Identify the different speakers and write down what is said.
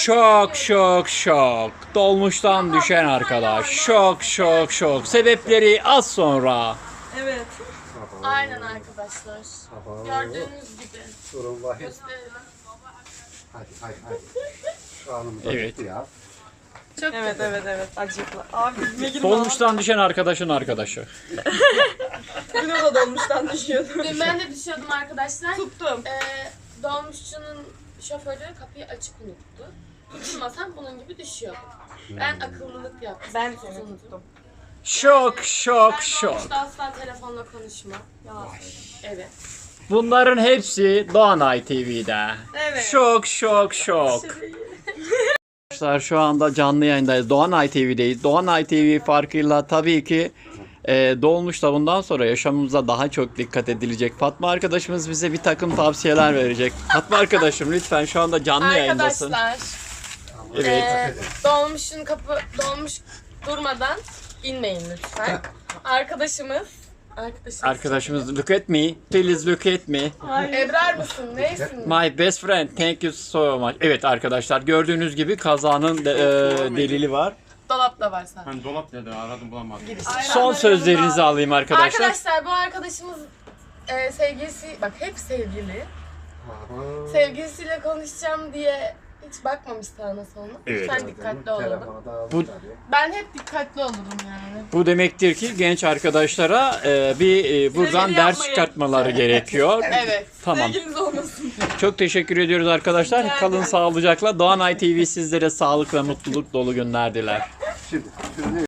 Speaker 1: Şok şok şok. Dolmuştan düşen arkadaş. Şok şok şok. Sebepleri az sonra.
Speaker 2: Evet.
Speaker 3: Aynen arkadaşlar. Gördüğünüz gibi.
Speaker 4: Sorun var.
Speaker 3: Gösterelim.
Speaker 4: Hadi. Şu anımıza
Speaker 1: Evet.
Speaker 4: gitti ya.
Speaker 3: Çok
Speaker 2: Evet. Acıklı. Abi ne girme.
Speaker 1: Dolmuştan düşen arkadaşın arkadaşı.
Speaker 2: Dün o da dolmuştan düşüyordu.
Speaker 3: Dün ben de düşüyordum arkadaşlar.
Speaker 2: Tuttum.
Speaker 3: Dolmuşçunun şoförü kapıyı açık unuttu. Tutulmasam bunun gibi düşüyordum. Ben akıllılık yaptım.
Speaker 2: Ben seni tuttum.
Speaker 1: Şok şok
Speaker 3: Ben
Speaker 1: şok.
Speaker 3: dolmuşta asla telefonla konuşmam. Evet.
Speaker 1: Bunların hepsi Doğanay TV'de.
Speaker 2: Evet.
Speaker 1: Şok şok şok. Arkadaşlar şu anda canlı yayındayız. Doğanay TV'deyiz. Doğanay TV farkıyla tabii ki Dolmuş'ta bundan sonra yaşamımıza daha çok dikkat edilecek. Fatma arkadaşımız bize bir takım tavsiyeler verecek. Fatma arkadaşım lütfen şu anda canlı yayındasın.
Speaker 3: Arkadaşlar
Speaker 1: Evet.
Speaker 3: dolmuş durmadan inmeyin lütfen. Arkadaşımız
Speaker 1: Arkadaşımız look at me. Please look at me.
Speaker 3: Ebrar mısın? Neysin?
Speaker 1: My best friend. Thank you so much. Evet arkadaşlar gördüğünüz gibi kazanın delili var.
Speaker 3: Dolapta var sadece.
Speaker 5: Hani dolap dedi aradım bulamadım.
Speaker 1: Son sözlerinizi alayım arkadaşlar.
Speaker 3: Arkadaşlar bu arkadaşımız sevgilisi, bak hep sevgili. Sevgilisiyle konuşacağım diye hiç bakmamış sağına soluna.
Speaker 1: Evet.
Speaker 3: Lütfen dikkatli olalım.
Speaker 4: Telefonu da aldı
Speaker 1: Bu-
Speaker 4: tabii.
Speaker 3: Ben hep dikkatli olurum yani.
Speaker 1: Bu demektir ki genç arkadaşlara buradan
Speaker 2: Sevgili
Speaker 1: ders
Speaker 2: yapmayın.
Speaker 1: çıkartmaları gerekiyor.
Speaker 3: Evet.
Speaker 1: Tamam.
Speaker 2: Sevgiliniz olmasın.
Speaker 1: Çok teşekkür ediyoruz arkadaşlar. Kalın sağlıcakla. Doğanay TV sizlere sağlık ve mutluluk dolu günler diler.
Speaker 4: Şimdi